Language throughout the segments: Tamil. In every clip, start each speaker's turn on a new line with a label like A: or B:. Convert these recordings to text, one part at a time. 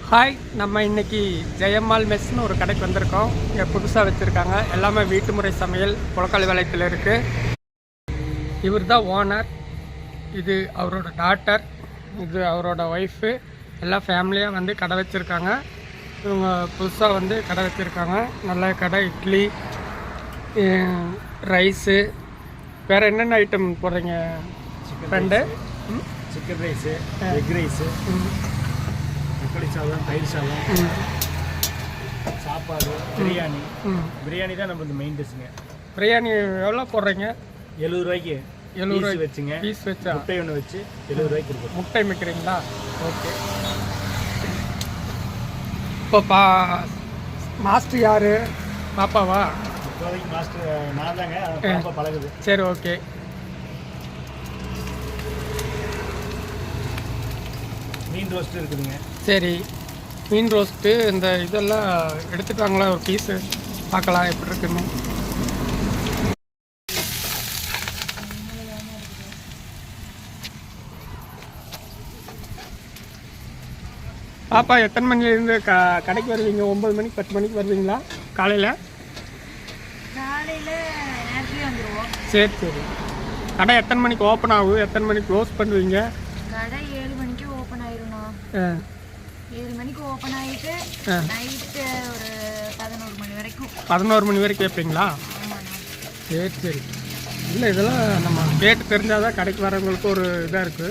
A: ஹாய், நம்ம இன்றைக்கி ஜெயம்மாள் மெஸ்ன்னு ஒரு கடைக்கு வந்திருக்கோம். இங்கே புதுசாக வச்சுருக்காங்க. எல்லாமே வீட்டு முறை சமையல் புலக்கால் வேலையத்தில் இருக்குது. இவர் தான் ஓனர். இது அவரோட டாட்டர், இது அவரோட ஒய்ஃபு. எல்லா ஃபேமிலியாக வந்து கடை வச்சுருக்காங்க. இவங்க புதுசாக வந்து கடை வச்சுருக்காங்க. நல்ல கடை. இட்லி, ரைஸு, வேறு என்னென்ன ஐட்டம் போடுறீங்க friend?
B: Chicken rice, egg rice, தக்காளி சாதம், தயிர் சாதம், சாப்பாடு, பிரியாணி. பிரியாணி தான் நம்ம இந்த மெயின் டிஷ்ஷுங்க.
A: பிரியாணி எவ்வளோ போடுறீங்க?
B: 70 ரூபாய்க்கு
A: 70 ரூபாய்க்கு
B: வச்சுங்க.
A: பீஸ் வச்சா
B: முட்டை ஒன்று வச்சு 70 ரூபாய்க்கு கொடுக்கும்.
A: முட்டை மிக்கிறீங்களா? ஓகே. இப்போ மாஸ்டர் யார்? பாப்பாவா?
B: இப்போதைக்கு மாஸ்டர் நான் தாங்க. பாப்பா பழகுது.
A: சரி, ஓகே.
B: மீன் ரோஸ்ட்டு இருக்குதுங்க.
A: சரி, மீன் ரோஸ்ட்டு இந்த இதெல்லாம் எடுத்துகிட்டு வாங்களா ஒரு பீஸு, பார்க்கலாம் எப்படி இருக்குன்னு. பாப்பா எத்தனை மணிலேருந்து கடைக்கு வருவீங்க? 9 மணிக்கு 10 மணிக்கு வருவீங்களா காலையில்? சரி சரி. கடை எத்தனை மணிக்கு ஓப்பன் ஆகும், எத்தனை மணிக்கு க்ளோஸ் பண்ணுவீங்க?
C: கடை 7 மணிக்கு ஓப்பன் ஆயிரும்ண்ணா. 7 மணிக்கு ஓப்பன் ஆகிட்டு நைட்டு ஒரு 11 மணி வரைக்கும்.
A: 11 மணி வரைக்கும் கேட்பீங்களா? சரி சரி. இல்லை, இதெல்லாம் நம்ம கேட்டு தெரிஞ்சால் தான் கடைக்கு வரவங்களுக்கு ஒரு இதாக இருக்குது.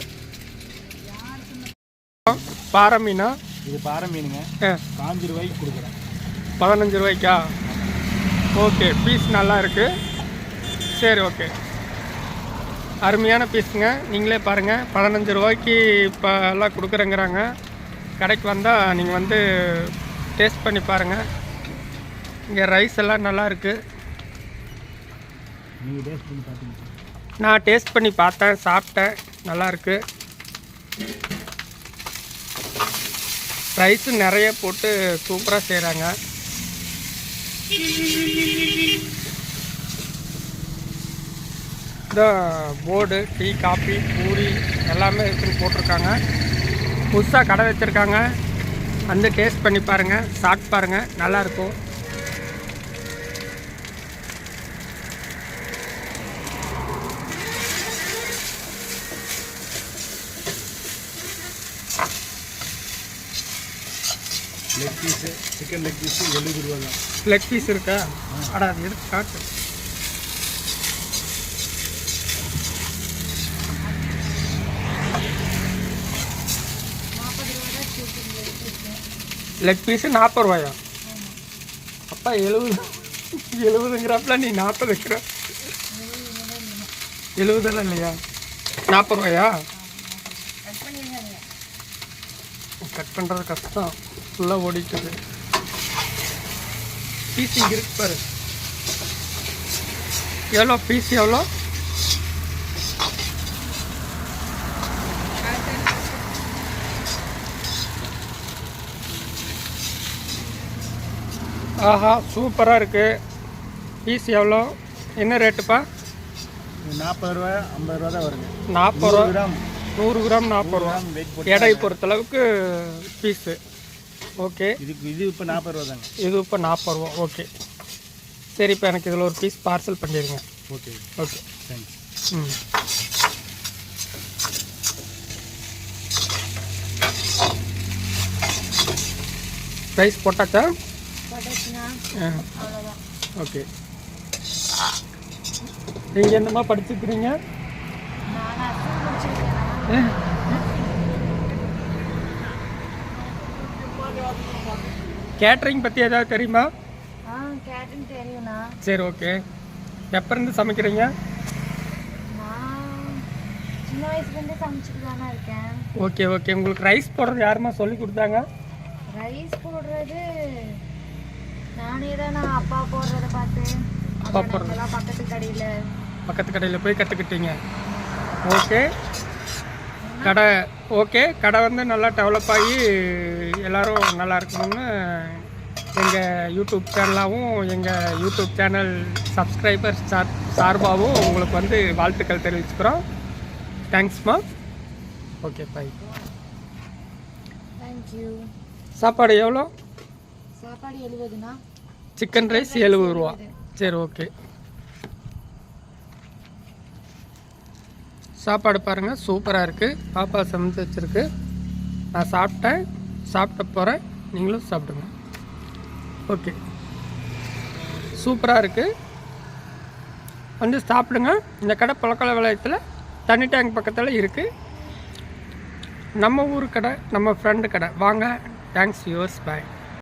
A: பாறை மீனா?
B: இது பாறை மீனுங்க. 15 ரூபாய்க்கு கொடுக்குறேன்.
A: 15 ரூபாய்க்கா? ஓகே. பீஸ் நல்லா இருக்குது. சரி, ஓகே. அருமையான பீஸுங்க. நீங்களே பாருங்கள். 15 ரூபாய்க்கு இப்போ எல்லாம் கொடுக்குறேங்கிறாங்க. கடைக்கு வந்தால் நீங்கள் வந்து டேஸ்ட் பண்ணி பாருங்கள். இங்கே ரைஸ் எல்லாம் நல்லா இருக்குது.
B: நீங்கள் டேஸ்ட் பண்ணி பார்த்தீங்க?
A: நான் டேஸ்ட் பண்ணி பார்த்தேன், சாப்பிட்டேன். நல்லாயிருக்கு. ரைஸு நிறைய போட்டு சூப்பராக செய்கிறாங்க. போர்டு டீ, காஃபி, பூரி எல்லாமே இருக்குன்னு போட்டிருக்காங்க. புதுசாக கடை வச்சுருக்காங்க. வந்து டேஸ்ட் பண்ணி பாருங்கள், சாப்பிட்டு பாருங்கள். நல்லாயிருக்கும்.
B: Leg piece, chicken leg piece 70 ரூபா தான்.
A: லெக் பீஸ் இருக்கா? அடா, அது எடுத்து காட்டு. லெக் பீஸு 40 ரூபாயா? அப்பா 70ங்கிறப்பல நீ 40 வைக்கிற. 70 இல்லையா? 40 ரூபாயா? கட் பண்ணுறது கஷ்டம். ஃபுல்லாக ஓடிட்டுது. பீஸ் இங்கே இருக்கு பாரு. எவ்வளோ பீஸ்? எவ்வளோ? ஆஹா, சூப்பராக இருக்குது. பீஸ் எவ்வளோ? என்ன ரேட்டுப்பா?
B: 40 ரூபா, 50 ரூபா தான் வருங்க.
A: 40 ரூபா. 100 கிராம் 40 ரூபா. எடை பொறுத்தளவுக்கு பீஸு. ஓகே.
B: இது இப்போ 40 ரூபா தாங்க.
A: இது இப்போ 40 ரூபா. ஓகே. சரி, இப்போ எனக்கு இதில் ஒரு பீஸ் பார்சல் பண்ணிடுங்க.
B: Okay
A: okay,
B: thanks. ரைஸ்
A: போட்டாச்சா? ஓகே. நீங்கள் என்னமா படிச்சுக்கிறீங்க? கேட்ரிங் பற்றி ஏதாவது தெரியுமா?
C: கேட்டரிங் தெரியும்ண்ணா.
A: சரி, ஓகே. எப்போ இருந்து சமைக்கிறீங்க?
C: நான் சின்ன வயசுலேருந்தே சமைச்சிட்டு தானே இருக்கேன்.
A: Okay okay. உங்களுக்கு ரைஸ் போடுறது யாருமா சொல்லி கொடுத்தாங்க?
C: ரைஸ் போடுறது நானே தான். அப்பா போடுறத பார்த்து
A: அப்பா போடுறது பக்கத்து கடையில் போய் கற்றுக்கிட்டீங்க. ஓகே. கடை ஓகே. கடை வந்து நல்லா டெவலப் ஆகி எல்லோரும் நல்லா இருக்கணும்னு எங்கள் யூடியூப் சேனலாகவும் எங்கள் யூடியூப் சேனல் சப்ஸ்கிரைபர்ஸ் சார்பாகவும் உங்களுக்கு வந்து வாழ்த்துக்கள் தெரிவிச்சுக்கிறோம். தேங்க்ஸ்மா. Okay, bye.
C: Thank you.
A: சாப்பாடு எவ்வளோ?
C: சாப்பாடு 70ண்ணா.
A: சிக்கன் ரைஸ் 70 ரூபா. சரி, ஓகே. சாப்பாடு பாருங்கள், சூப்பராக இருக்குது. பாப்பா சமைச்சு வச்சுருக்கு. நான் சாப்பிட்டேன், சாப்பிட்ட போகிறேன். நீங்களும் சாப்பிடுங்க. ஓகே, சூப்பராக இருக்குது. வந்து சாப்பிடுங்க. இந்த கடை புலக்கால விளையத்தில் தண்ணி டேங்க் பக்கத்தில் இருக்குது. நம்ம ஊர் கடை, நம்ம ஃப்ரெண்டு கடை. வாங்க. தேங்க்ஸ் யூஸ். பாய்.